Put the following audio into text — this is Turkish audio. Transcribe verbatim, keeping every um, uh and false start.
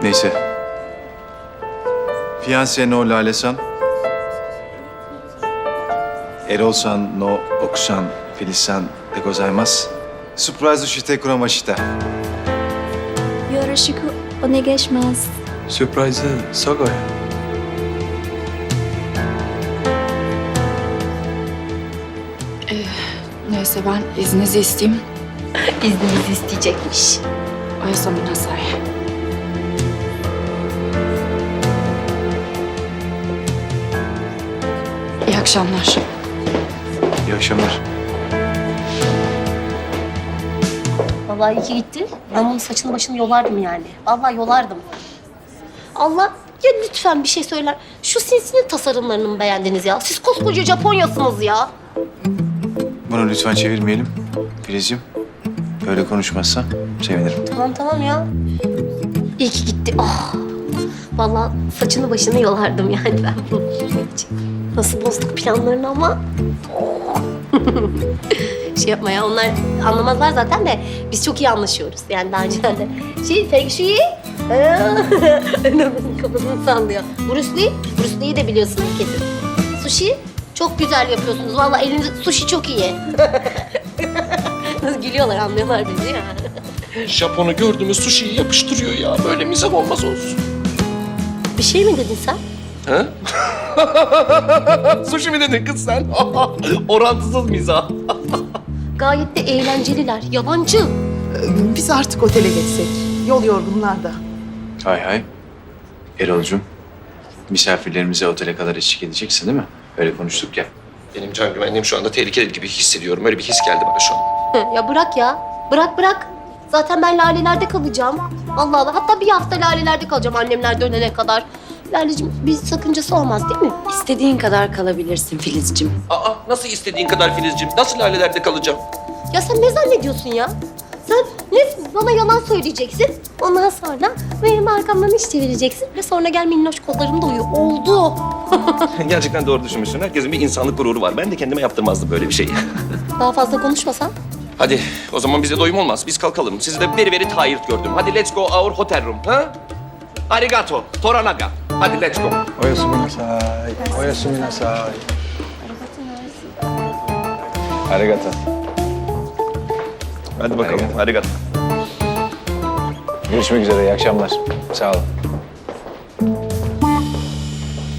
Neyse. Fiancé no Lale-san. Erol-san no Oku-san Feliz-san de gozaimasu. Surprise shite kuramashita. Yoroshiku onegaishimasu. Sürprise'ı Sago'ya. Neyse ben izninizi isteyeyim. İzninizi isteyecekmiş. Oyasami nasai. İyi akşamlar. İyi akşamlar. Vallahi iyi ki gitti. Ben onun saçını başını yolardım yani. Vallahi yolardım. Allah ya lütfen bir şey söyler. Şu sinsinin tasarımlarını mı beğendiniz ya? Siz koskoca Japonyasınız ya. Bunu lütfen çevirmeyelim. Filizciğim, böyle konuşmazsan sevinirim. Tamam tamam ya. İyi ki gitti. Ah. Vallahi saçını başını yolardım yani ben. Nasıl bozduk planlarını ama. Oh. Şey yapma ya, onlar anlamazlar zaten de biz çok iyi anlaşıyoruz. Yani daha önceden de. Şey, Feng Shui. Ömer'in kafasını sallıyor. Bruce Lee, Bruce Lee'yi de biliyorsunuz kesin. Sushi, çok güzel yapıyorsunuz. Vallahi eliniz sushi çok iyi. Nasıl gülüyorlar, anlıyorlar bizi ya. Japon'u gördüğümüz sushi'yi yapıştırıyor ya. Böyle mizah olmaz olsun. Bir şey mi dedin sen? Ha? Sushi mi dedin kız sen? Orantısız mizah. Gayet de eğlenceliler, yabancı. Biz artık otele geçsek. Yol yorgunlar da. Hay hay. Erol'cum, misafirlerimize otele kadar eşlik edeceksin değil mi? Öyle konuştuk ya. Benim can güvenliğim şu anda tehlikeli gibi hissediyorum. Öyle bir his geldi bana şu an. Ya bırak ya, bırak bırak. Zaten ben Lale'lerde kalacağım. Allah Allah, hatta bir hafta Lale'lerde kalacağım annemler dönene kadar. Laleciğim, bir sakıncası olmaz değil mi? İstediğin kadar kalabilirsin Filizciğim. Aa, nasıl istediğin kadar Filizciğim? Nasıl lalelerde kalacağım? Ya sen ne zannediyorsun ya? Sen ne bana yalan söyleyeceksin, ondan sonra benim arkamdan iş çevireceksin ve sonra gel minnoş kollarımda uyu. Oldu. Gerçekten doğru düşünmüşsün. Herkesin bir insanlık gururu var. Ben de kendime yaptırmazdım böyle bir şeyi. Daha fazla konuşmasan. Hadi o zaman bize doyum olmaz. Biz kalkalım. Sizi de very very tired gördüm. Hadi let's go our hotel room. Ha? Arigato. Toranaga. Hadi let's go. Oyasumi nasai. Oyasumi nasai. Arigato. Hadi bakalım. Arigato. Görüşmek üzere, iyi akşamlar. Sağ olun.